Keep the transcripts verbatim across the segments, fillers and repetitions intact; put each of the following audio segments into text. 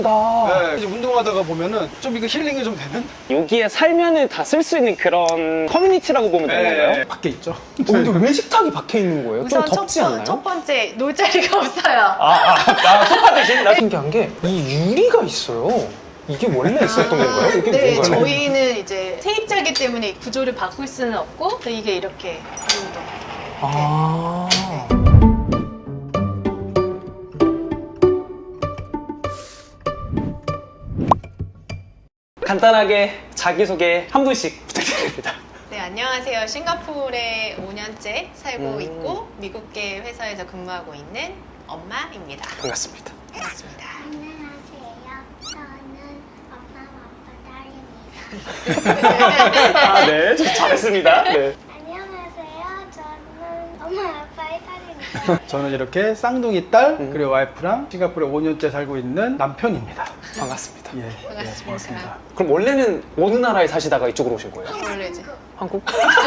네, 이제 운동하다가 보면은 좀 이거 힐링이 좀 되는? 여기에 살면은 다 쓸 수 있는 그런 커뮤니티라고 보면 되는 건가요? 밖에 있죠. 어, 근데 왜 식탁이 밖에 있는 거예요? 좀 우선 덥지 첫, 않나요? 첫 번째 놀 자리가 없어요. 아, 아, 아, 소파 대신? 나 신기한 게 이 유리가 있어요. 이게 원래 있었던 건가요? 이게 네, 뭔가요? 저희는 이제 세입자이기 때문에 구조를 바꿀 수는 없고 이게 이렇게 이 정도. 아. 간단하게 자기소개 한 분씩 부탁드립니다. 네, 안녕하세요. 싱가포르에 오 년째 살고 음. 있고 미국계 회사에서 근무하고 있는 엄마입니다. 반갑습니다. 반갑습니다. 안녕하세요. 저는 엄마 아빠 딸입니다. 아, 네. 저 잘했습니다. 네. 안녕하세요. 저는 엄마 아빠의 딸입니다. 저는 이렇게 쌍둥이 딸, 음. 그리고 와이프랑 싱가포르에 오 년째 살고 있는 남편입니다. 반갑습니다. 예, 반갑습니다. 예, 반갑습니다. 그럼 원래는 어느 나라에 사시다가 이쪽으로 오신 거예요? 원래 이제 한국?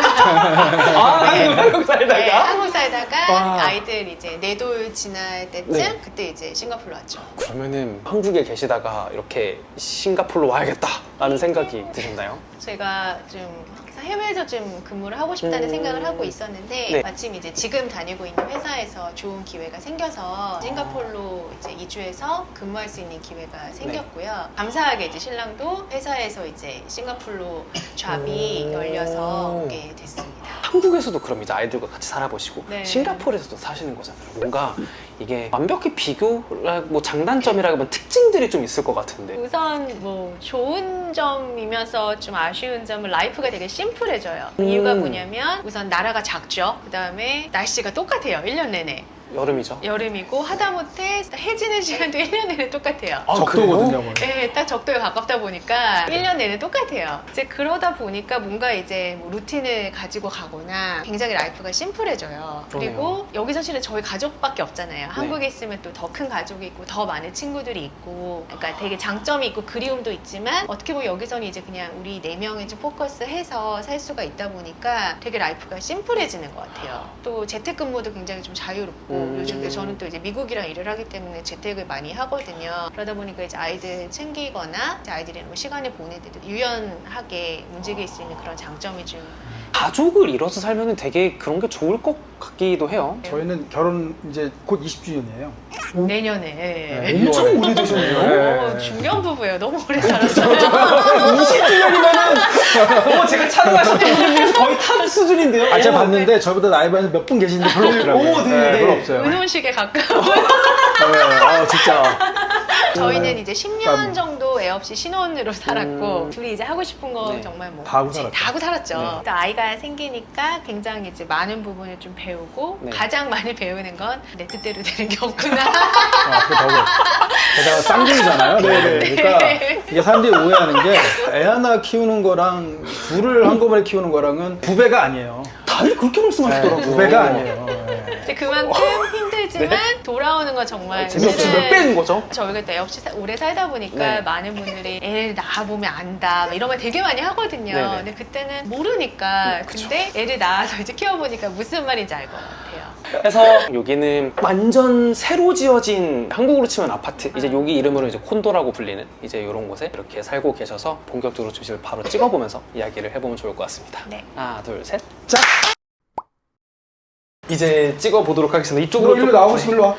아, 한국, 한국 살다가? 네, 한국 살다가 와. 아이들 이제 네 돌 지날 때쯤 네. 그때 이제 싱가포르 왔죠. 그러면은 한국에 계시다가 이렇게 싱가포르로 와야겠다라는 생각이 드셨나요? 제가 좀 항상 해외에서 좀 근무를 하고 싶다는 음. 생각을 하고 있었는데 네. 마침 이제 지금 다니고 있는 회사에서 좋은 기회가 생겨서 싱가포르로 이제 이주해서 근무할 수 있는 기회가 생겼고요. 감사하게 이제 신랑도 회사에서 이제 싱가포르로 잡이 오. 열려서 오게 됐습니다. 한국에서도 그럼 이제 아이들과 같이 살아보시고 네. 싱가포르에서도 사시는 거잖아요. 뭔가 이게 완벽히 비교라 뭐 장단점이라면 특징들이 좀 있을 것 같은데. 우선 뭐 좋은 점이면서 좀 아쉬운 점은 라이프가 되게 심플해져요. 음. 이유가 뭐냐면 우선 나라가 작죠. 그 다음에 날씨가 똑같아요. 일 년 내내. 여름이죠. 여름이고 하다못해 해지는 시간도 일 년 내내 똑같아요. 아, 적도거든요, 원래. 네, 딱 적도에 가깝다 보니까 일 년 내내 똑같아요. 이제 그러다 보니까 뭔가 이제 뭐 루틴을 가지고 가거나 굉장히 라이프가 심플해져요. 그러네요. 그리고 여기 사실은 저희 가족밖에 없잖아요. 한국에 있으면 또 더 큰 가족이 있고 더 많은 친구들이 있고 그러니까 되게 장점이 있고 그리움도 있지만 어떻게 보면 여기서는 이제 그냥 우리 네 명이 좀 포커스해서 살 수가 있다 보니까 되게 라이프가 심플해지는 것 같아요. 또 재택근무도 굉장히 좀 자유롭고 음. 요즘 또 저는 또 이제 미국이랑 일을 하기 때문에 재택을 많이 하거든요. 그러다 보니까 이제 아이들 챙기거나 이제 아이들이랑 뭐 시간을 보낼 때도 유연하게 움직일 수 있는 그런 장점이 좀 가족을 이뤄서 살면 되게 그런 게 좋을 것 같기도 해요. 저희는 결혼 이제 곧 이십 주년이에요. 내년에 네. 엄청 오래되셨네요. 어, 네. 중년 부부예요. 너무 오래 살았어요. 이십 주년이면은 어, 제가 촬영하셨던 분들 중에서 거의 탑 수준인데요. 아, 제가 봤는데 저보다 나이 많은 몇 분 계시는데 별로 없더라고요. 오, 네, 네. 별로 없어요. 은혼식에 가까운. 네, 아, 진짜. 저희는 이제 십 년 음. 정도 애 없이 신혼으로 살았고 음. 둘이 이제 하고 싶은 거 네. 정말 뭐 다 하고 지- 살았죠. 다 하고 살았죠. 네. 또 아이가 생기니까 굉장히 이제 많은 부분을 좀 배우고 네. 가장 많이 배우는 건 내 뜻대로 되는 게 없구나. 아, 그 더고. 게다가 쌍둥이잖아요. 네네. 그러니까 이게 사람들이 오해하는 게 애 하나 키우는 거랑 둘을 한꺼번에 키우는 거랑은 두 배가 아니에요. 다들 그렇게 말씀하시더라고요. 두 배가 아니에요. 네. 근데 그만큼 힘들지만 돌아오는 건 정말 재미없이 사실은 몇 배인 거죠? 저희가 또 애 없이 사- 오래 살다 보니까 네. 많은 분들이 애를 낳아보면 안다 막 이런 말 되게 많이 하거든요. 네네. 근데 그때는 모르니까 음, 그쵸. 근데 애를 낳아서 이제 키워보니까 무슨 말인지 알 것 같아요. 그래서 여기는 완전 새로 지어진 한국으로 치면 아파트 이제 여기 이름으로 이제 콘도라고 불리는 이제 이런 곳에 이렇게 살고 계셔서 본격적으로 주식을 바로 찍어보면서 이야기를 해보면 좋을 것 같습니다. 네. 하나 둘셋 짝! 이제 찍어보도록 하겠습니다. 이쪽으로 일로 좀- 나오고 싶으면 일로 와.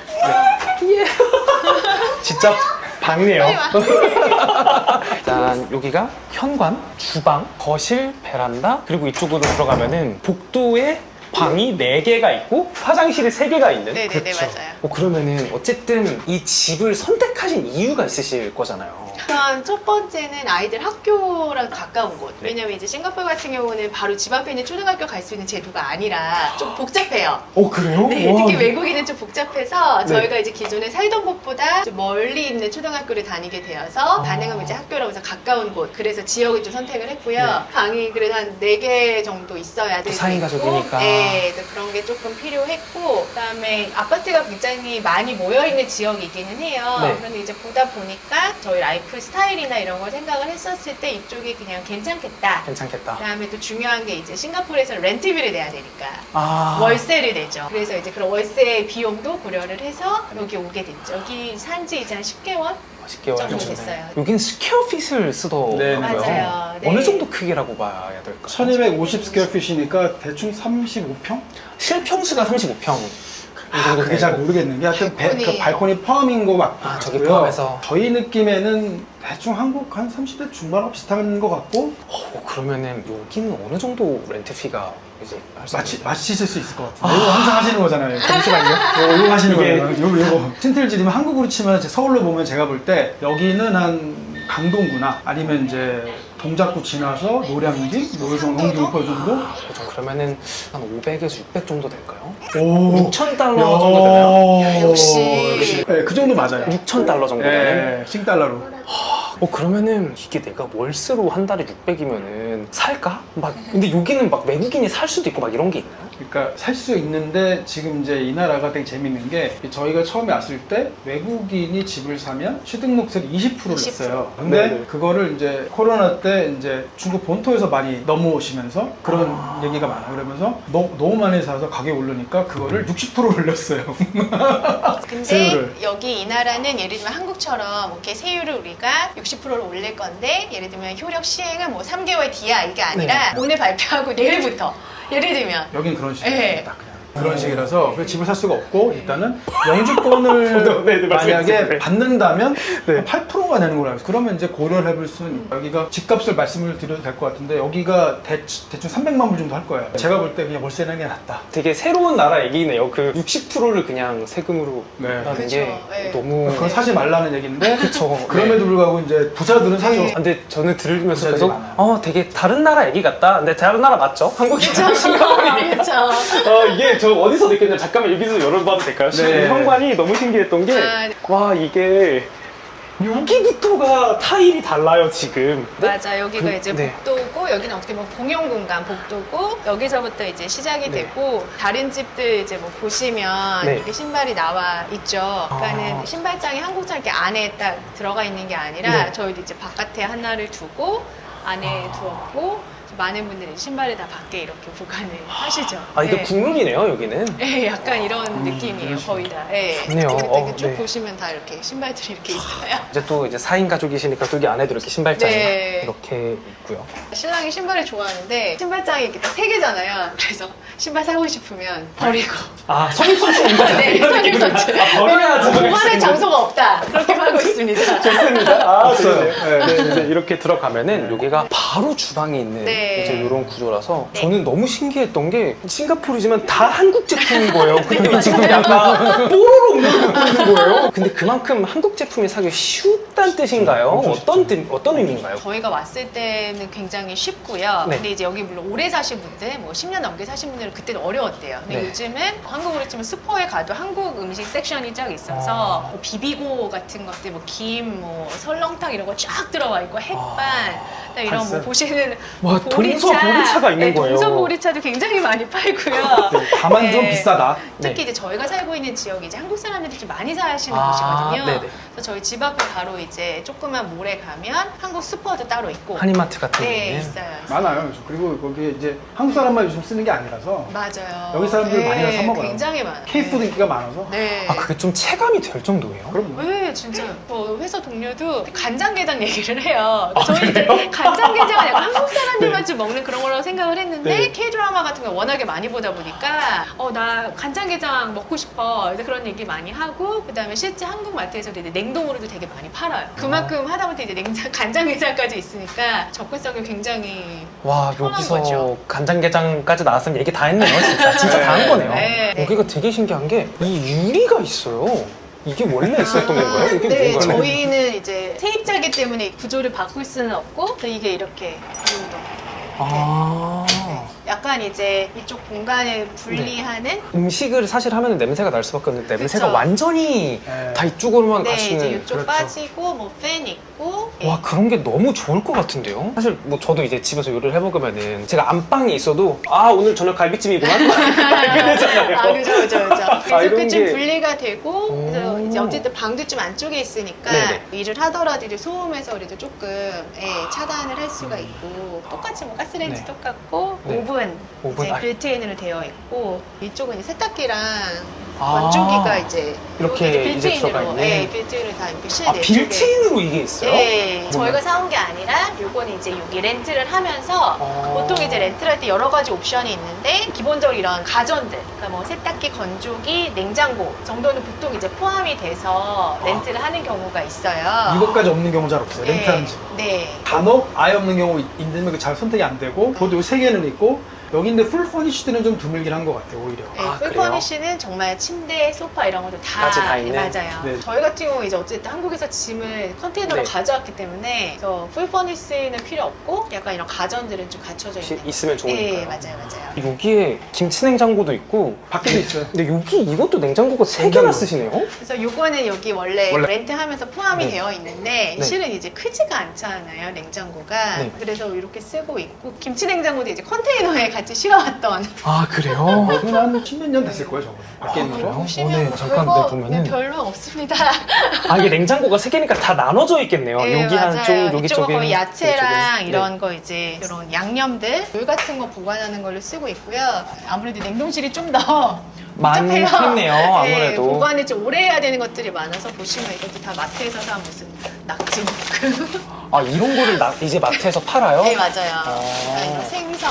진짜 밝네요. 빨리 일단 여기가 현관, 주방, 거실, 베란다 그리고 이쪽으로 들어가면은 복도에 방이 네 개가 있고 화장실이 세 개가 있는. 네네네 그렇죠. 맞아요. 어, 그러면은 어쨌든 이 집을 선택하신 이유가 있으실 거잖아요. 우선 첫 번째는 아이들 학교랑 가까운 곳. 네. 왜냐면 이제 싱가포르 같은 경우는 바로 집 앞에 있는 초등학교 갈 수 있는 제도가 아니라 좀 복잡해요. 어 그래요? 네, 와, 특히 외국인은 좀 복잡해서 네. 저희가 이제 기존에 살던 곳보다 좀 멀리 있는 초등학교를 다니게 되어서 아. 가능하면 이제 학교라고 해서 가까운 곳. 그래서 지역을 좀 선택을 했고요. 네. 방이 그래도 한 네 개 정도 있어야 되고 사 인 가족이니까. 네, 그래서 그런 게 조금 필요했고 그다음에 아파트가 굉장히 많이 모여있는 지역이기는 해요. 네. 그런데 이제 보다 보니까 저희 라이프 스타일이나 이런 걸 생각을 했었을 때 이쪽이 그냥 괜찮겠다. 괜찮겠다. 그다음에 또 중요한 게 이제 싱가포르에서 렌트비를 내야 되니까 아 월세를 내죠. 그래서 이제 그런 월세 비용도 고려를 해서 여기 오게 됐죠. 여기 산지 이제 한 십 개월? 십 개월 정도 정도 됐어요. 여긴 스퀘어핏을 쓰더라고요. 네, 맞아요. 네. 어느 정도 크기라고 봐야 될까요? 천이백오십 스퀘어핏이니까 대충 삼십오 평? 실평수가 삼십오 평. 아, 그게 잘 모르겠는 게 하여튼 배- 발코니. 그 발코니 포함인 거 맞고요. 아, 저기 포함해서. 저희 느낌에는 대충 한국 한 삼십 대 중반하고 비슷한 것 같고 어, 그러면은 여기는 어느 정도 렌트피가 이제 할수 마치, 있을까요? 마치실 수 있을 것 같아요. 이거 항상 하시는 거잖아요. 잠시만요. 이거, 이거 하시는 이게- 거예요. 이거, 이거. 틴틀지리면 한국으로 치면 제 서울로 보면 제가 볼 때 여기는 한 강동구나 아니면 이제 동작구 지나서 노량진, 노회성, 홍준포 정도? 그죠. 그러면은 한 오백에서 육백 정도 될까요? 오. 육천 달러 정도 되나요? 역시. 네, 그 정도 맞아요. 육천 달러 정도 되나요? 네, 싱달러로. 어 그러면은 이게 내가 월세로 한 달에 육백이면은 살까? 막 근데 여기는 막 외국인이 살 수도 있고 막 이런 게 있나요? 그러니까 살 수 있는데 지금 이제 이 나라가 되게 재밌는 게 저희가 처음에 왔을 때 외국인이 집을 사면 취등록세를 이십 퍼센트를 이십 퍼센트. 냈어요. 근데 네네. 그거를 이제 코로나 때 이제 중국 본토에서 많이 넘어오시면서 그런 아. 얘기가 많아요. 그러면서 너, 너무 많이 사서 가격이 오르니까 그거를 육십 퍼센트 올렸어요. 근데 세율을. 여기 이 나라는 예를 들면 한국처럼 이렇게 세율을 우리가 육십 퍼센트를 올릴 건데 예를 들면 효력 시행은 뭐 삼 개월 뒤야 이게 아니라 네. 오늘 발표하고 내일부터 예를 들면 여긴 그런 식이에요. 네. 딱 그냥. 그런 식이라서 그래서 집을 살 수가 없고 일단은 영주권을 네, 네, 만약에 말씀해주세요. 받는다면 네. 팔 퍼센트가 되는 거라고 해서 그러면 이제 고려를 해볼 수는 여기가 집값을 말씀을 드려도 될 것 같은데 여기가 대, 대충 삼백만 불 정도 할 거예요. 제가 볼 때 그냥 월세 내는 게 낫다. 되게 새로운 나라 얘기네요. 그 육십 퍼센트를 그냥 세금으로 네. 하는 그쵸. 게 네. 너무 그건 사지 말라는 얘기인데 그쵸. 그럼에도 불구하고 이제 부자들은 사죠. 네. 아, 근데 저는 들으면서 부자들이 계속 많아요. 어 되게 다른 나라 얘기 같다. 근데 다른 나라 맞죠? 한국이죠. 그렇죠. 어 이게 저 어디서 느꼈냐? 잠깐만 여기서 열어봐도 될까요? 네. 현관이 너무 신기했던 게 아, 와 이게 여기부터가 타일이 달라요 지금. 맞아 여기가 그- 이제 네. 복도고 여기는 어떻게 보면 공용 공간 복도고 여기서부터 이제 시작이 네. 되고 다른 집들 이제 뭐 보시면 네. 이렇게 신발이 나와 있죠. 그러니까는 아. 신발장이 한국처럼 이렇게 안에 딱 들어가 있는 게 아니라 네. 저희도 이제 바깥에 하나를 두고 안에 아. 두었고 많은 분들이 신발을 다 밖에 이렇게 보관을 하시죠. 아 이게 네. 국룰이네요 여기는. 네, 약간 이런 느낌이에요, 그런 식으로. 거의 다. 네. 좋네요. 이렇게 어, 쭉 네. 보시면 다 이렇게 신발들이 이렇게 있어요. 이제 또 이제 사 인 가족이시니까 또 여기 안에도 이렇게 신발장이 네. 이렇게 있고요. 신랑이 신발을 좋아하는데 신발장이 이렇게 딱 세 개잖아요. 그래서 신발 사고 싶으면 버리고. 아 성립선수인 거죠? 네, 선임선수. 아, 버려야지. 보관할 장소가 없다. 그렇게 하고 있습니다. 좋습니다. 아, 없어요. 네, 네, 이제 이렇게 들어가면은 여기가 바로 주방이 있는 네. 이제 이런 구조라서 네. 저는 너무 신기했던 게 싱가포르지만 다 한국 제품인 거예요. 근데 맞아요. 지금 약간 뽀로로 먹고 있는 거예요. 근데 그만큼 한국 제품이 사기 쉽다는 뜻인가요? 엄청 어떤 뜻, 어떤 의미인가요? 저희가 왔을 때는 굉장히 쉽고요. 네. 근데 이제 여기 물론 오래 사신 분들, 뭐 십 년 넘게 사신 분들은 그때는 어려웠대요. 근데 네. 요즘은 한국으로 치면 슈퍼에 가도 한국 음식 섹션이 쫙 있어서 아. 뭐 비비고 같은 것들, 뭐 김, 뭐 설렁탕 이런 거 쫙 들어와 있고 햇반, 그다음에 이런 뭐 발사. 보시는 와, 동서 보리차가 있는 네, 거예요. 동서 보리차도 굉장히 많이 팔고요. 네, 다만 좀 네. 비싸다. 특히 네. 이제 저희가 살고 있는 지역이 이제 한국 사람들이 좀 많이 사시는 아, 곳이거든요. 네네. 그래서 저희 집 앞에 바로 이제 조그만 몰에 가면 한국 슈퍼도 따로 있고. 한인마트 같은 네, 데는 있어요. 있어요. 많아요. 그리고 거기에 이제 한국 사람만 요즘 쓰는 게 아니라서 맞아요. 여기 사람들 많이 가서 사 먹어요. 굉장히 많아요. K푸드 인기가 많아서 네. 아 그게 좀 체감이 될 정도예요? 그럼 뭐. 왜 진짜 저 회사 동료도 간장게장 얘기를 해요. 아, 저희 이제 그래요? 간장게장은 약간 한국 사람들만 좀 먹는 그런 거라고 생각을 했는데 네. K 드라마 같은 거 워낙에 많이 보다 보니까 어 나 간장게장 먹고 싶어 이제 그런 얘기 많이 하고 그다음에 실제 한국 마트에서도 이제 냉동으로도 되게 많이 팔아요. 그만큼 하다못해 이제 냉장 간장게장까지 있으니까 접근성이 굉장히 와 편한 여기서 거죠. 간장게장까지 나왔으면 얘기 다 했네요 진짜 진짜 다 한 거네요. 네. 여기가 되게 신기한 게 이 유리가 있어요. 이게 원래 있었던 건가요? 이게 네, 뭔가요? 저희는 이제 세입자기 때문에 구조를 바꿀 수는 없고 그래서 이게 이렇게 이 정도. 아 약간 이제 이쪽 공간을 분리하는 음식을 사실 하면 냄새가 날 수밖에 없는데 냄새가 그쵸. 완전히 네. 다 이쪽으로만 네, 가시는. 이제 이쪽 그렇죠. 빠지고 뭐 팬 있고 예. 와 그런 게 너무 좋을 것 같은데요? 사실 뭐 저도 이제 집에서 요리를 해먹으면은 제가 안방에 있어도 아 오늘 저녁 갈비찜이구나 이렇게 되잖아요. 아, 그죠, 그죠, 그죠. 그래서 이런 그 좀 게- 분리가 되고, 그래서 오. 이제 어쨌든 방도 좀 안쪽에 있으니까 네네. 일을 하더라도 이제 소음에서 그래도 조금 예, 차단을 할 수가 있고, 똑같이 뭐 가스레인지 네. 똑같고, 네. 오븐, 오븐, 이제 아. 빌트인으로 되어 있고, 이쪽은 이제 세탁기랑 아. 건조기가 이제 이렇게 여기 이제 빌트인으로, 들어가 있네. 네, 빌트인으로 다 이렇게 아, 실내 빌트인으로 이게 있어요? 네, 정말? 저희가 사온 게 아니라 요거는 이제 여기 렌트를 하면서 아. 보통 이제 렌트를 할 때 여러 가지 옵션이 있는데 기본적으로 이런 가전들, 그러니까 뭐 세탁기, 건조기, 냉장고 정도는 보통 이제 포함이 돼서 렌트를 하는 경우가 있어요. 이것까지 없는 경우 잘 없어요. 네, 렌트하는 집. 네. 간혹 아예 없는 경우 있는데 그게 잘 선택이 안 되고 보통 세 개는 있고 여기 있는데 풀 퍼니쉬드는 좀 드물긴 한 것 같아요 오히려. 네, 아, 풀 그래요? 퍼니쉬는 정말 침대, 소파 이런 것도 다, 까지 다 있는? 맞아요. 네. 저희 같은 경우 이제 어쨌든 한국에서 짐을 컨테이너로 네. 가져왔기 때문에 그래서 풀 퍼니쉬는 필요 없고 약간 이런 가전들은 좀 갖춰져 혹시 있는. 있으면 좋으니까요. 네, 맞아요, 맞아요. 여기에 김치 냉장고도 있고 밖에도 있어요. 근데 여기 이것도 냉장고가 세 냉장고. 개나 쓰시네요? 그래서 요거는 여기 원래, 원래. 렌트하면서 포함이 네. 되어 있는데 네. 실은 이제 크지가 않잖아요, 냉장고가. 네. 그래서 이렇게 쓰고 있고 김치 냉장고도 이제 컨테이너에 같이 실어왔던. 아 그래요? 여기는 한 십몇 년 됐을 거예요 저거. 밖에 아, 있는 그래요? 거. 보시면 오늘 뭐 잠깐 별거 네, 보면은 별로 없습니다. 아 이게 냉장고가 세 개니까 다 나눠져 있겠네요. 네, 여기 맞아요. 한쪽, 여기 이쪽은 쪽에 거의 야채랑 이쪽에. 이런 네. 거 이제 이런 양념들, 물 같은 거 보관하는 걸로 쓰고 있고요. 아무래도 냉동실이 좀 더 많겠네요, 아무래도. 네, 보관을 좀 오래 해야 되는 것들이 많아서 보시면 이것도 다 마트에서 사 무슨 낙지무크. 아 이런 거를 나, 이제 마트에서 팔아요? 네 맞아요. 아. 아니, 생선.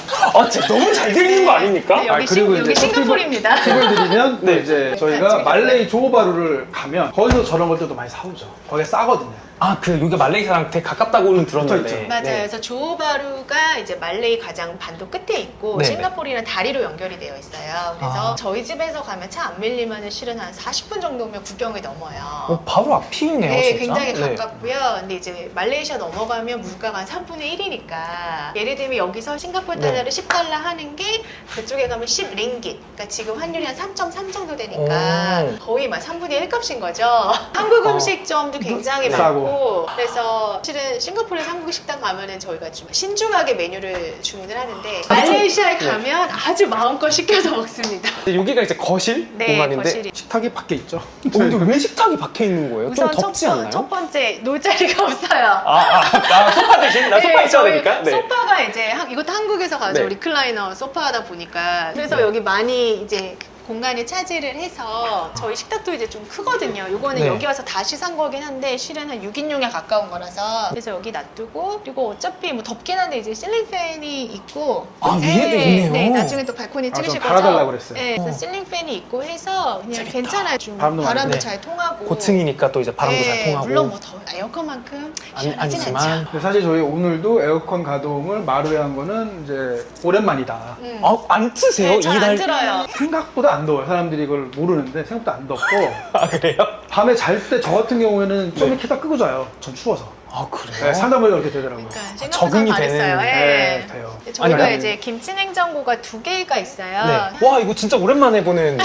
아 진짜 너무 잘 들리는 거 아닙니까? 네, 여기, 아, 그리고 싱, 여기 이제 싱가포르입니다. 팁을 드리면 네. 이제 저희가 나중에 말레이 조호바루를 가면 거기서 저런 것들도 많이 사오죠. 거기 싸거든요. 아 그 여기가 말레이시아랑 되게 가깝다고는 들었는데 붙어있죠. 맞아요. 네. 그래서 조호바루가 이제 말레이 가장 반도 끝에 있고 네네. 싱가포르랑 다리로 연결이 되어 있어요. 그래서 아. 저희 집에서 가면 차 안 밀리면 실은 한 사십 분 정도면 구경이 넘어요. 어, 바로 앞이네요 네, 진짜. 굉장히 네. 가깝고요. 근데 이제 말레이시아 넘어가면 물가가 한 삼분의 일이니까 예를 들면 여기서 싱가포르 달러를 네. 십 달러 하는 게 그쪽에 가면 십 링깃. 그러니까 지금 환율이 한 삼 점 삼 정도 되니까 오. 거의 막 삼분의 일 값인 거죠. 한국 어. 음식점도 굉장히 싸고. 많고 그래서 실은 싱가포르에서 한국 식당 가면은 저희가 좀 신중하게 메뉴를 주문을 하는데 말레이시아에 네. 가면 아주 마음껏 시켜서 먹습니다. 근데 여기가 이제 거실 네, 공간인데 거실이. 식탁이 밖에 있죠. 어, 근데 왜 식탁이 밖에 있는 거예요? 좀 우선 첫, 덥지 번- 않나요? 첫 번째 놀 자리가 없어요. 아, 아, 아 소파 대신? 나 소파 네, 있어야 저희 되니까? 네. 소파가 이제 한- 이것도 한국에서 가져 네. 리클라이너 소파다 보니까 그래서 네. 여기 많이 이제 공간을 차지를 해서 저희 식탁도 이제 좀 크거든요. 요거는 네. 여기 와서 다시 산 거긴 한데 실은 한 육 인용에 가까운 거라서 그래서 여기 놔두고 그리고 어차피 뭐 덥긴 한데 이제 실링 팬이 있고 아, 네, 위에도 있네요. 네, 나중에 또 발코니 아, 좀 찍으실 거죠? 달아달라고 그랬어요. 네, 그래서 어. 실링 팬이 있고 해서 그냥 재밌다. 괜찮아요. 좀 바람도 바람도, 많이 네. 잘 통하고 고층이니까 또 이제 바람도 잘 네, 통하고 물론 뭐 더, 에어컨만큼 아니, 시원하진 아니지만 않죠. 근데 사실 저희 오늘도 에어컨 가동을 마루에 한 거는 이제 오랜만이다. 음. 아, 안 트세요? 네, 잘안 이날 들어요. 생각보다 안 더워요. 사람들이 이걸 모르는데 생각보다 안 덥고 아 그래요? 밤에 잘 때 저 같은 경우에는 좀 이렇게 다 끄고 자요. 전 추워서. 아 그래요? 네, 상담을 그렇게 되더라고요. 그러니까 적응이 생각보다 잘했어요. 되는- 예. 네, 돼요. 저희가 아니, 이제 김치 냉장고가 두 개가 있어요. 네. 와 이거 진짜 오랜만에 보는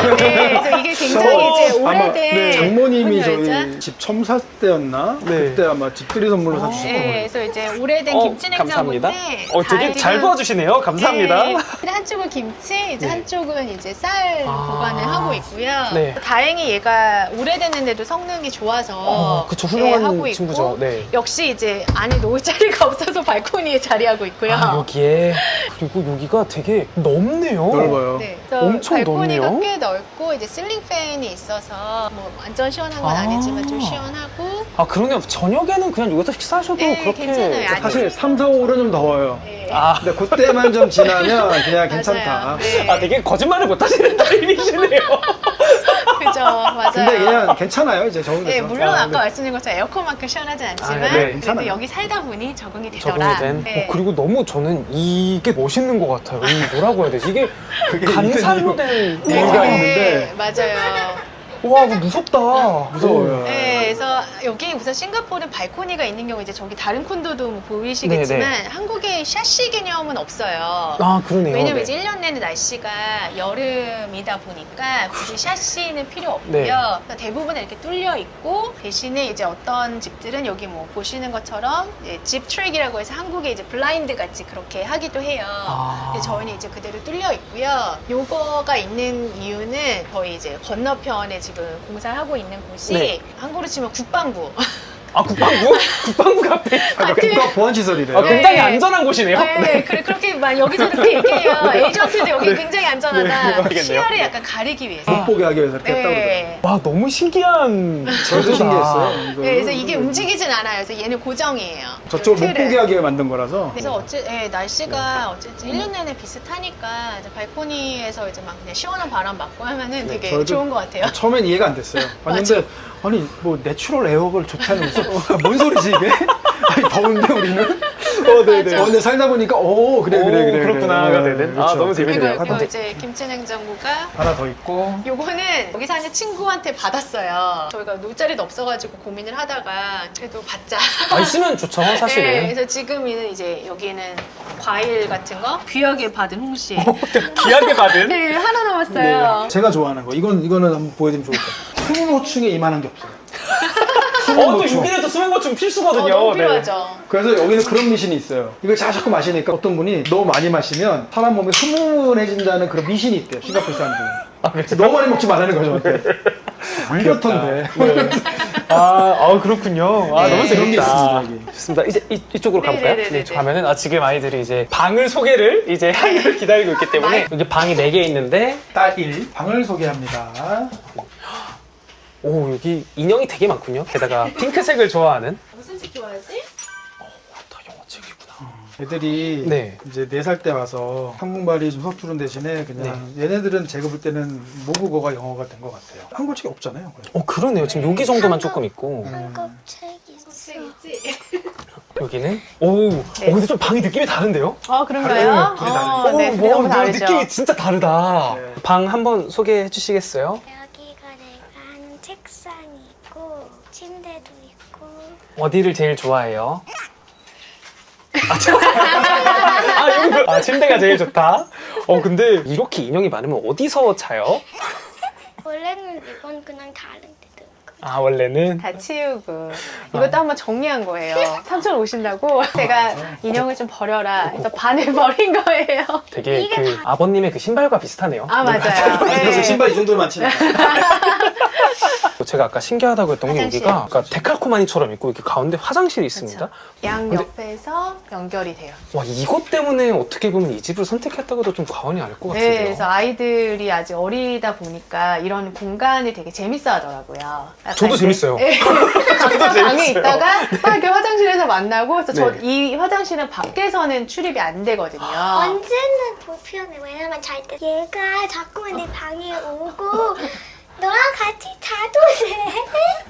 네, 그래서 이게 굉장히 저- 이제 아마 오래된 네, 장모님이 문 열자. 저희 집 처음 살 때였나? 네. 그때 아마 집들이 선물로 아. 사주신 네, 거예요. 그래서 이제 오래된 어, 김치 냉장고인데 감사합니다. 어 되게 다 잘 지금- 도와주시네요. 감사합니다. 네, 한쪽은 김치, 이제 네. 한쪽은 이제 쌀 아. 보관을 하고 있고요. 네. 다행히 얘가 오래됐는데도 성능이 좋아서 어, 그쵸 네, 훌륭한 하고 있고 친구죠. 네. 역시 이제 안에 놓을 자리가 없어서 발코니에 자리하고 있고요. 아, 여기에 그리고 여기가 되게 넓네요. 넓어요. 네, 그래서 엄청 발코니가 넓네요. 꽤 넓고 이제 실링 팬이 있어서 뭐 완전 시원한 건 아. 아니지만 좀 시원하고 아 그러네요. 저녁에는 그냥 여기서 식사하셔도 네, 그렇게 괜찮아요. 아니, 사실 삼, 사, 오는 좀 더워요. 네. 아, 근데 그때만 좀 지나면 그냥 괜찮다. 맞아요. 네. 아 되게 거짓말을 못하시는 타입이시네요. 그죠, 맞아요. 근데 그냥 괜찮아요. 이제 적응돼서. 네, 물론 아, 아까 근데 말씀드린 것처럼 에어컨만큼 시원하진 않지만 아, 네, 그래도 괜찮아요. 여기 살다 보니 적응이 되더라. 적응이 된. 네. 어, 그리고 너무 저는 이게 멋있는 것 같아요. 이 뭐라고 해야 되지? 이게 그게 간살로 있는 된. 네. 이유가 있는데. 맞아요. 와, 이거 무섭다. 무서워요. 네, 그래서 여기 우선 싱가포르는 발코니가 있는 경우 이제 저기 다른 콘도도 뭐 보이시겠지만 네, 한국에 샤시 개념은 없어요. 아, 그러네요. 왜냐면 네. 이제 일 년 내내 날씨가 여름이다 보니까 굳이 샤시는 필요 없고요. 네. 그래서 대부분 이렇게 뚫려 있고 대신에 이제 어떤 집들은 여기 뭐 보시는 것처럼 이제 집 트랙이라고 해서 한국에 이제 블라인드 같이 그렇게 하기도 해요. 아. 근데 저희는 이제 그대로 뚫려 있고요. 요거가 있는 이유는 저희 이제 건너편에 지금 공사하고 있는 곳이 네. 한국으로 치면 국방부. 아 국방부? 국방부 앞에. 아, 국가 보안 시설이래요. 아, 네. 굉장히 안전한 곳이네요. 네, 그래, 그렇게 막 여기서 이렇게 얘기해요. 에이전트도 여기 굉장히 안전하다. 네, 알겠네요. 시야를 약간 가리기 위해서. 못 보게 하기 위해서 이렇게 했다고 그러더라고요. 네. 와 너무 신기한. 저도 제도다. 신기했어요. 이거. 네, 그래서 이게 움직이진 않아요. 그래서 얘는 고정이에요. 저쪽을 못 틀을. 보게 하게 만든 거라서. 그래서 어째, 예, 날씨가 어쨌든 일 년 내내 비슷하니까 이제 발코니에서 이제 막 그냥 시원한 바람 맞고 하면은 되게 저도 좋은 것 같아요. 처음엔 이해가 안 됐어요. 왔는데 아니 뭐 내추럴 에어를 좋다는 무슨 아, 뭔 소리지 이게? 아니 더운데 우리는? 어, 네네. 맞아. 어, 근데 살다 보니까 오 그래 그래 오, 그래 그렇구나가 그래. 되는? 네, 아, 너무 그리고 재밌네요. 이거 근데- 이제 김치냉장고가 하나 더 있고. 요거는 여기 사는 친구한테 받았어요. 저희가 놀 자리도 없어가지고 고민을 하다가 그래도 받자. 아 있으면 좋죠 네, 사실은. 그래서 지금은 이제 여기는 과일 같은 거 귀하게 받은 홍시. 귀하게 받은. 네, 하나 남았어요. 제가 좋아하는 거. 이건 이거는 한번 보여드리면 좋을 것 같아요. 수능호충에 이만한 게 없어요. 어, 또 수능호충. 여기는 또 수면고충 어, 필수거든요. 너무 네. 필요하죠. 그래서 여기는 그런 미신이 있어요. 이걸 자- 자꾸 마시니까 어떤 분이 너무 많이 마시면 사람 몸이 흐문해진다는 그런 미신이 있대요. 싱가포르 사람들은. 그래서 너무 많이 먹지 말라는 거죠. 저한테. 안 그렇던데. 아, 아 그렇군요. 아 네. 너무 그런 게 재밌다. 있습니다, 여기. 좋습니다. 이제 이, 이쪽으로 가볼까요? 네네네네. 네, 저 가면은 아 지금 아이들이 이제 방을 소개를 이제 하기를 기다리고 있기 때문에 여기 방이 네 개 있는데 딸 일, 방을 소개합니다. 오 여기 인형이 되게 많군요. 게다가 핑크색을 좋아하는. 무슨 책 좋아하지? 다 영어책이구나. 애들이 네. 이제 네 살 때 와서 한국말이 좀 서투른 대신에 그냥 얘네들은 제가 볼 때는 모국어가 영어가 된 것 같아요. 한국 책이 없잖아요. 그래서. 어 그러네요. 지금 여기 정도만 조금 있고 한국 책 있어. 있지. 여기는 오, 어, 근데 좀 방이 느낌이 다른데요? 어, 그런가요? 둘이 어, 다르네. 네, 오, 둘이 너무 뭐, 다르죠. 느낌이 진짜 다르다. 네. 방 한번 소개해 주시겠어요? 여기가 내가 하는 책상이 있고 침대도 있고 어디를 제일 좋아해요? 아, 저- 아, 이거- 아, 침대가 제일 좋다. 어, 근데 이렇게 인형이 많으면 어디서 자요? 원래는 이건 그냥 다른 데도 있고 아, 원래는? 다 치우고 이것도 한번 정리한 거예요. 삼촌 오신다고 제가 인형을 좀 버려라 해서 반을 버린 거예요. 되게 이게 그 다- 아버님의 그 신발과 비슷하네요. 아, 맞아요. 그래서 네. 신발 이 정도로 많지 않아요. 제가 아까 신기하다고 했던 게 화장실. 여기가 그러니까 데칼코마니처럼 있고 이렇게 가운데 화장실이 있습니다. 그렇죠. 양 근데- 옆에서 연결이 돼요. 와, 이것 때문에 어떻게 보면 이 집을 선택했다고도 좀 과언이 아닐 것 같은데요. 네, 그래서 아이들이 아직 어리다 보니까 이런 공간을 되게 재밌어 하더라고요. 약간 저도 이제- 재밌어요. 네. 방에 재밌어요. 있다가 막 이렇게 화장실에서 만나고 그래서 저 네. 이 화장실은 밖에서는 출입이 안 되거든요. 언제는 불편해. 왜냐면 잘 때 얘가 자꾸만 내 방에 오고 너랑 같이 자도 돼.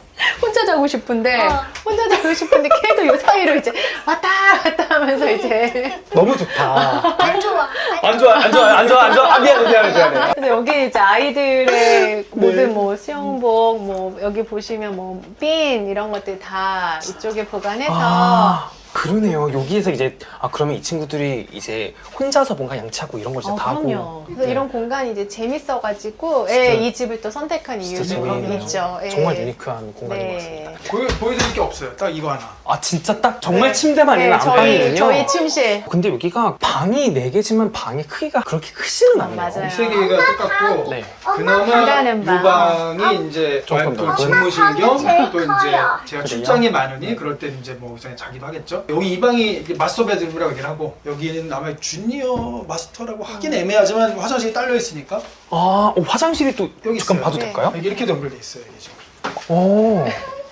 혼자 자고 싶은데 어. 혼자 자고 싶은데 계속 요 사이로 이제 왔다 갔다 하면서 이제 너무 좋다. 안 좋아. 안 좋아, 안 좋아, 안 좋아, 안 좋아. 아, 미안해, 미안해, 미안해. 그래서 여기 이제 아이들의 모든 뭐 수영복 뭐 여기 보시면 뭐 핀 이런 것들 다 이쪽에 보관해서 아, 그러네요. 여기에서 이제 아 그러면 이 친구들이 이제 혼자서 뭔가 양치하고 이런 걸 진짜 어, 다 그럼요. 하고. 그래서 네. 이런 공간이 이제 재밌어가지고 진짜- 예, 이 집을 또 선택한 진짜 이유도 재미있네요. 있죠. 예. 정말 유니크한 공간인 것 같습니다. 네. 보여, 보여드릴 게 없어요. 딱 이거 하나. 아 진짜 딱 정말 네. 침대만 있는 네, 저희 안방이군요. 저희 침실. 근데 여기가 방이 네 개지만 방의 크기가 그렇게 크지는 아, 않네요. 맞아요. 세 개가 똑같고 네. 그나마 일하는 방. 이 방이 이제 조금 더 또 큰? 집무실 겸 제일 또 이제 커요. 제가 그래요? 출장이 많으니 그럴 때 이제 뭐 우선 자기도 하겠죠. 여기 이 방이 마스터 베드룸이라고 얘기를 하고 여기는 아마 주니어 마스터라고 하긴 애매하지만 화장실이 딸려 있으니까 아 어, 화장실이 또 여기 잠깐 있어요. 봐도 네. 될까요? 이게 이렇게 연결돼 있어요. 이게 지금. 오.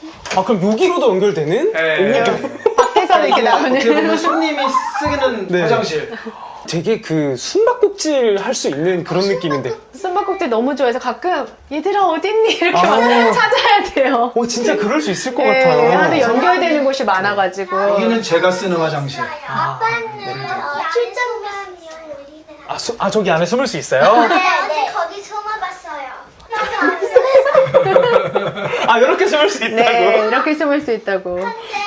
아 그럼 여기로도 연결되는? 네. 밖에서는 이렇게 나오는. 어떻게 보면 손님이 쓰는 네. 화장실. 되게 그 숨바꼭질 할 수 있는 그런 느낌인데. 숨바꼭질 너무 좋아해서 가끔 얘들아 어딨니 이렇게 아. 막 찾아야 돼요. 어 진짜 그럴 수 있을 것 네, 같아요. 하도 연결되는 곳이 많아가지고. 여기는 제가 쓰는 화장실. 아빠는 어, 출장 가면 우리는 아, 수, 아 저기 안에 숨을 수 있어요? 네, 네. 거기 숨어봤어요. 여기 안 숨었어. 아 이렇게 숨을 수 있다고? 네, 이렇게 숨을 수 있다고. 근데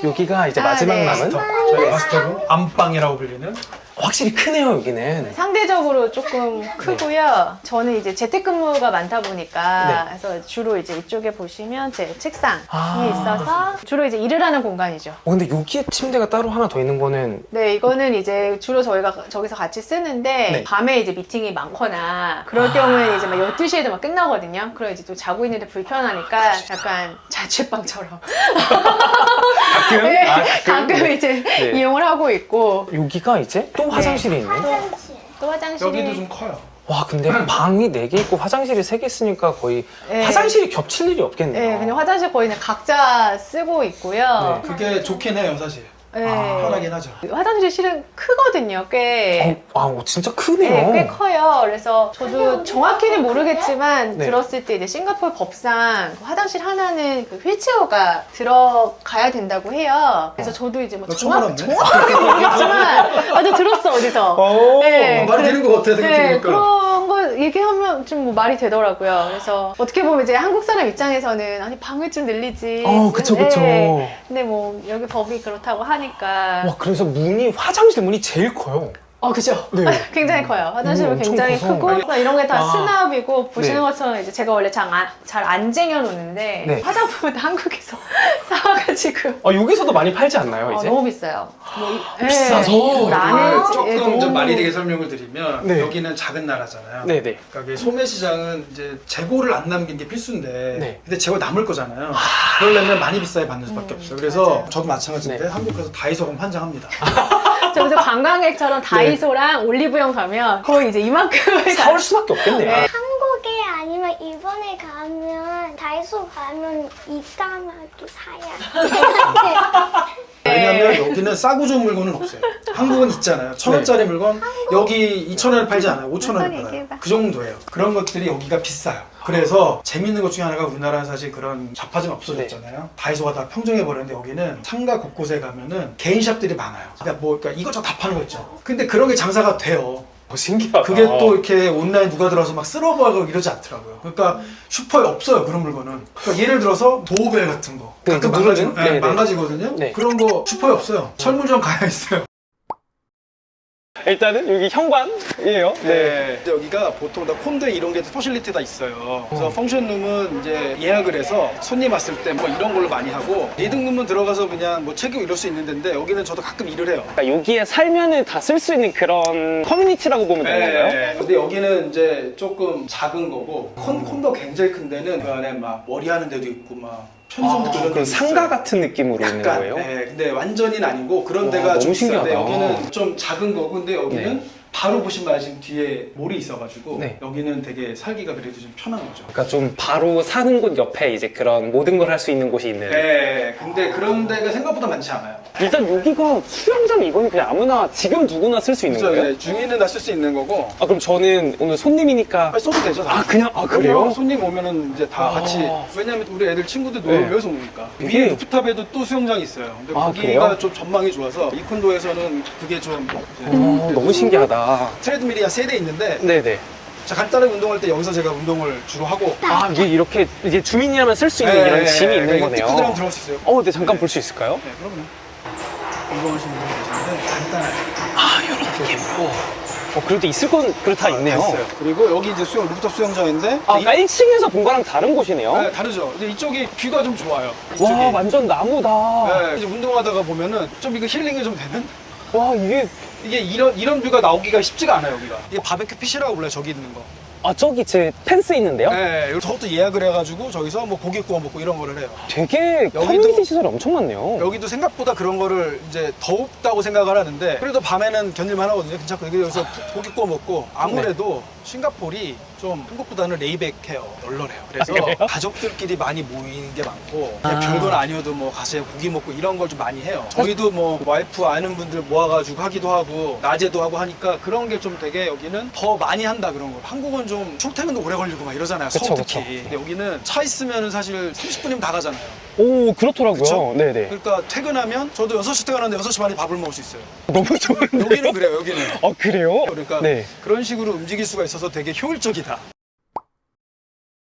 여기가 이제 아, 마지막 네. 남은 저희 마스터룸 안방이라고 불리는. 확실히 크네요 여기는. 상대적으로 조금 크고요. 저는 이제 재택근무가 많다 보니까 네. 그래서 주로 이제 이쪽에 보시면 제 책상이 아. 있어서 주로 이제 일을 하는 공간이죠. 어, 근데 여기에 침대가 따로 하나 더 있는 거는 네, 이거는 이제 주로 저희가 저기서 같이 쓰는데 네. 밤에 이제 미팅이 많거나 그럴 경우에는 이제 막 열두 시에도 막 끝나거든요. 그럼 이제 또 자고 있는데 불편하니까 약간 자취방처럼 가끔 네, 아, 가끔 이제 네. 이용을 하고 있고 여기가 이제 또 화장실이 있네. 화장실. 또 화장실이 여기도 좀 커요. 와 근데 방이 네 개 있고 화장실이 세 개 있으니까 거의 네. 화장실이 겹칠 일이 없겠네요. 네, 그냥 화장실 거의 그냥 각자 쓰고 있고요. 네. 그게 좋긴 해요, 사실. 네. 편하긴 하죠. 화장실이 실은 크거든요, 꽤. 어, 아 어, 진짜 네, 크네요. 꽤 커요. 그래서 저도 정확히는 모르겠지만 네. 들었을 때 이제 싱가포르 법상 그 화장실 하나는 그 휠체어가 들어가야 된다고 해요. 그래서 저도 이제 뭐 너 처음 정확, 알았네? 정확하게 모르겠지만 아주 들었어 어디서. 오, 네, 말이 그래- 되는 것 같아, 네, 생각해보니까. 그런 거 얘기하면 좀 뭐 말이 되더라고요. 그래서 어떻게 보면 이제 한국 사람 입장에서는 아니 방을 좀 늘리지. 어, 그쵸, 그쵸. 네. 근데 뭐 여기 법이 그렇다고 하니까. 와 그래서 문이 화장실 문이 제일 커요. 어, 그죠? 네. 굉장히 커요. 화장실은 음, 엄청 굉장히 커서. 크고, 이런 게 다 아. 수납이고, 보시는 네. 것처럼 이제 제가 원래 잘 안 쟁여놓는데, 네. 화장품은 다 한국에서 사와가지고. 아 여기서도 많이 팔지 않나요 어, 이제? 너무 비싸요. 뭐, 이- 네. 비싸서? 나는 이걸 조금 예, 좀 너무- 말이 되게 설명을 드리면 네. 여기는 작은 나라잖아요. 네네. 그러니까 이게 소매시장은 이제 재고를 안 남긴 게 필수인데 네. 근데 재고 남을 거잖아요. 그러려면 많이 비싸게 받는 수밖에 음, 없어요. 그래서 맞아요. 저도 마찬가지인데 네. 한국 가서 다이소 가면 환장합니다. 저 그래서 관광객처럼 다이소랑 올리브영 가면 거의 이제 이만큼을 사올 수밖에 없겠네요. 네. 한국에 아니면 일본에 가면 다이소 가면 이까마도 사야 돼. 왜냐면 여기는 싸고 좋은 물건은 없어요. 한국은 있잖아요. 천 원짜리 물건 여기 이천 원에 팔지 않아요. 오천 원에 한번 팔아요. 얘기해봐. 그 정도예요. 그런 것들이 여기가 비싸요. 그래서 재밌는 것 중에 하나가 우리나라는 사실 그런 잡화점 없어졌잖아요. 다이소가 다 평정해 버렸는데 여기는 상가 곳곳에 가면은 개인샵들이 많아요. 그러니까 뭐 그러니까 이것저것 다 파는 거 있죠. 근데 그런 게 장사가 돼요. 어, 신기하다. 그게 또 이렇게 온라인 누가 들어서 막 쓸어버리고 이러지 않더라고요. 그러니까 슈퍼에 없어요 그런 물건은. 그러니까 예를 들어서 도어벨 같은 거 네, 가끔 그 망가지, 누르는? 네, 네, 네. 망가지거든요. 네. 그런 거 슈퍼에 없어요. 철물점 가야 있어요. 일단은 여기 현관이에요. 네. 여기가 보통 다 콘대 이런 게 퍼실리티 다 있어요. 그래서 어. 펑션룸은 이제 예약을 해서 손님 왔을 때 뭐 이런 걸로 많이 하고 리딩룸은 들어가서 그냥 뭐 책이고 이럴 수 있는데 여기는 저도 가끔 일을 해요. 그러니까 여기에 살면은 다 쓸 수 있는 그런 커뮤니티라고 보면 되는 건가요? 네. 근데 여기는 이제 조금 작은 거고 콘, 콘도 굉장히 큰 데는 그 안에 막 머리 하는 데도 있고 막 편의점도 아, 그런 그럼 데도 상가 있어요. 같은 느낌으로 있는 약간, 거예요? 네, 근데 완전히는 아니고 그런 와, 데가 너무 좀 있어요. 근데 신기하다. 여기는 좀 작은 거고 근데 여기는 네. 바로 보시면 지금 뒤에 몰이 있어가지고 네. 여기는 되게 살기가 그래도 좀 편한 거죠. 그러니까 좀 바로 사는 곳 옆에 이제 그런 모든 걸 할 수 있는 곳이 있는. 네, 근데 그런 데가 생각보다 많지 않아요. 일단 여기가 수영장 이거는 그냥 아무나 지금 누구나 쓸 수 있는 그래서 거예요? 네, 중위는 다 쓸 수 있는 거고 아 그럼 저는 오늘 손님이니까 빨리 써도 되죠. 다. 아 그냥 아 그래요? 그래요? 손님 오면은 이제 다 아. 같이 왜냐면 우리 애들 친구들 놀러 네. 여기서 오니까 이게- 위에 루프탑에도 또 수영장이 있어요. 근데 아, 거기가 그래요? 좀 전망이 좋아서 이 콘도에서는 그게 좀 이제 어, 너무 신기하다. 트레드밀이 한 세 대 있는데 네네. 자 간단하게 운동할 때 여기서 제가 운동을 주로 하고 아 이게 이렇게 이제 주민이라면 쓸 수 있는 네, 이런 네, 짐이 네, 있는 이거 거네요. 뜯고 들어가면 들어갈 수 있어요. 어, 네 잠깐 볼 수 있을까요? 네, 그럼요. 운동하시는 분이 계시는데 간단하게 아 이렇게 예뻐. 어 그래도 있을 건 그래도 다 있네요. 있어요. 그리고 여기 이제 수영 루프탑 수영장인데 아 이- 그러니까 일 층에서 본 거랑 다른 곳이네요. 네, 다르죠. 이제 이쪽이 뷰가 좀 좋아요. 이쪽이. 와 완전 나무다. 네, 이제 운동하다가 보면은 좀 이거 힐링이 좀 되는? 와 이게 이게 이런 이런 뷰가 나오기가 쉽지가 않아요 여기가. 이게 바베큐 핏이라고 불러요 저기 있는 거. 아 저기 제 펜스 있는데요? 네, 여기 저것도 예약을 해가지고 저기서 뭐 고기 구워 먹고 이런 거를 해요. 되게 여기도- 커뮤니티 시설이 엄청 많네요. 여기도 생각보다 그런 거를 이제 더웁다고 생각을 하는데 그래도 밤에는 견딜만 하거든요. 괜찮거든요. 여기서 여기서 고기 구워 먹고 아무래도 싱가포르이 좀 한국보다는 레이백해요. 널널해요. 그래서 아, 그래요? 가족들끼리 많이 모이는 게 많고 그냥 아. 별건 아니어도 뭐 가서 고기 먹고 이런 걸 좀 많이 해요. 저희도 뭐 와이프 아는 분들 모아가지고 하기도 하고 낮에도 하고 하니까 그런 게 좀 되게 여기는 더 많이 한다 그런 거. 한국은 좀 출퇴근도 오래 걸리고 막 이러잖아요. 그쵸, 서울 특히. 그쵸. 근데 여기는 차 있으면 사실 삼십 분이면 다 가잖아요. 오 그렇더라고요. 그쵸? 네네. 그러니까 퇴근하면 저도 여섯 시 퇴근하는데 여섯 시 반에 밥을 먹을 수 있어요. 너무 좋은데. 여기는 그래요, 여기는. 아 그래요? 그러니까 네. 그런 식으로 움직일 수가 있어서 되게 효율적이다.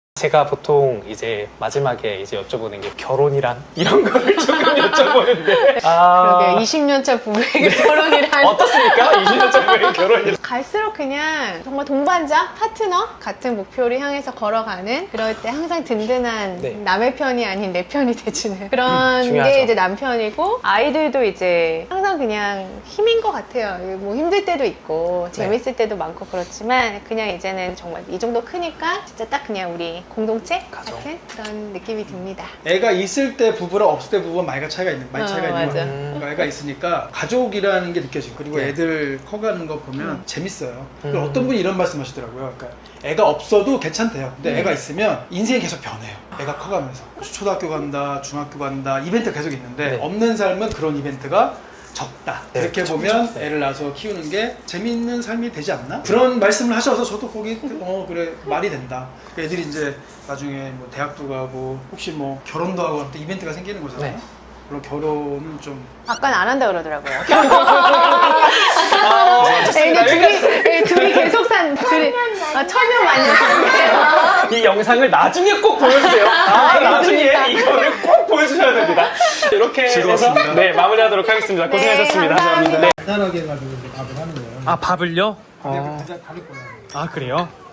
제가 보통 이제 마지막에 이제 여쭤보는 게 결혼이란 이런 거를 조금 여쭤보는데 아, 그러게 이십 년 차 부부에게 결혼이란 어떻습니까? 이십 년 차 부부의 결혼이. 갈수록 그냥 정말 동반자, 파트너 같은 목표를 향해서 걸어가는 그럴 때 항상 든든한 네. 남의 편이 아닌 내 편이 돼주는 그런 중요하죠. 게 이제 남편이고 아이들도 이제 항상 그냥 힘인 것 같아요. 뭐 힘들 때도 있고 재밌을 때도 많고 그렇지만 그냥 이제는 정말 이 정도 크니까 진짜 딱 그냥 우리 공동체 가족. 같은 그런 느낌이 듭니다. 애가 있을 때 부부랑 없을 때 부부는 많이 차이가 있는, 많이 어, 차이가 있는 맞아. 거예요. 그러니까 애가 있으니까 가족이라는 게 느껴지고 그리고 네. 애들 커가는 거 보면 음. 재밌어요. 그리고 음. 어떤 분이 이런 말씀하시더라고요. 그러니까 애가 없어도 괜찮대요. 근데 음. 애가 있으면 인생이 계속 변해요. 애가 커가면서 초등학교 간다, 중학교 간다, 이벤트 가 계속 있는데 네. 없는 삶은 그런 이벤트가 적다. 네, 이렇게 그쵸, 보면 그쵸. 네. 애를 낳아서 키우는 게 재미있는 삶이 되지 않나? 그런 말씀을 하셔서 저도 거기 어 그래 말이 된다. 애들이 이제 나중에 뭐 대학도 가고 혹시 뭐 결혼도 하고 또 이벤트가 생기는 거잖아요. 네. 그럼 결혼은 좀 아까는 안 한다 그러더라고요. 아, 좋습니다. 애는 둘이, 애 둘이 계속 산, 둘이 아, 천년 만년 산대요. 이 영상을 나중에 꼭 보여주세요. 아, 나중에 이거를 꼭 보여주셔야 됩니다. 이렇게 해서 즐거웠습니다. 네, 마무리하도록 하겠습니다. 네, 고생하셨습니다. 감사합니다. 네. 간단하게 해가지고 이제 밥을 하는 거예요. 아, 밥을요? 근데 가장 다를 거예요. 아, 그래요?